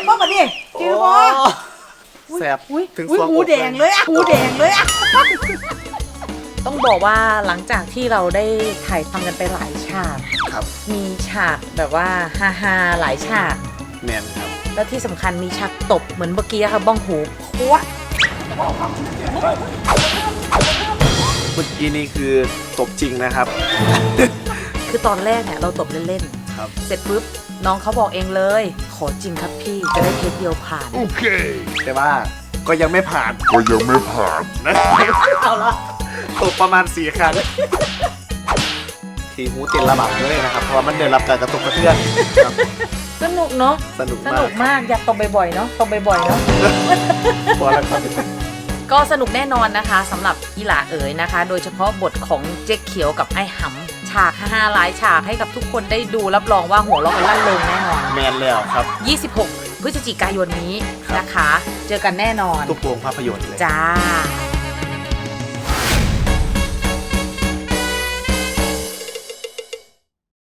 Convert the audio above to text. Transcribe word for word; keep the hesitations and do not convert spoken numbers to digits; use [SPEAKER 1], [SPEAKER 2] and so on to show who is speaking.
[SPEAKER 1] บ่ปะนี่จือบ่
[SPEAKER 2] แสบถึง
[SPEAKER 1] อุ้ย
[SPEAKER 2] สวง
[SPEAKER 1] หูแดงเลยอ่ะหูแดงเลยอ่ะ
[SPEAKER 3] ต้องบอกว่าหลังจากที่เราได้ถ่ายทำกันไปหลายฉาก
[SPEAKER 2] ครับ
[SPEAKER 3] มีฉากแบบว่าฮาฮาๆหลายฉาก
[SPEAKER 2] แมนครับ
[SPEAKER 3] แล้วที่สำคัญมีฉากตบเหมือนเมื่อกี้ค่ะบ้องหูพัว
[SPEAKER 2] เมื่อกี้นี้คือตบจริงนะครับ
[SPEAKER 3] คือตอนแรกเนี่ยเราตบเล่น
[SPEAKER 2] ครับ
[SPEAKER 3] ๆ เสร็จปุ๊บน้องเขาบอกเองเลย ขอจริงครับพี่จะได้เทคเดียวผ่าน
[SPEAKER 2] แต่ว่าก็ยังไม่ผ่าน
[SPEAKER 4] ก็ยังไม่ผ่าน
[SPEAKER 2] นะ
[SPEAKER 3] เอาละ
[SPEAKER 2] ตบประมาณสี่ครั้งทีหูเต้นระบาดเลยนะครับเพราะว่ามันได้รับการกระตุกกระเทือนครับ
[SPEAKER 3] สนุกเนาะ
[SPEAKER 2] สนุก
[SPEAKER 3] ส
[SPEAKER 2] มา
[SPEAKER 3] นุ
[SPEAKER 2] ก
[SPEAKER 3] กมากอยากตบบ่อยๆเนาะตบบ่อยๆเนาะ
[SPEAKER 2] พอแล้วครับ
[SPEAKER 3] ก็สนุกแน่นอนนะคะสำหรับอีหลาเอ๋ยนะคะ โดยเฉพาะบทของเจ๊เขียวกับไอ้หำฉากฮาๆหลายฉากให้กับทุกคนได้ดูรับรองว่าหัวเราะกันลั่นเริงแน่นอน
[SPEAKER 2] แมนแล้วครับ
[SPEAKER 3] ยี่สิบหก พฤศจิกายนนี้นะคะ เจอกันแน่นอน
[SPEAKER 2] ทุกโรงภาพยนตร์เลย
[SPEAKER 3] จ้า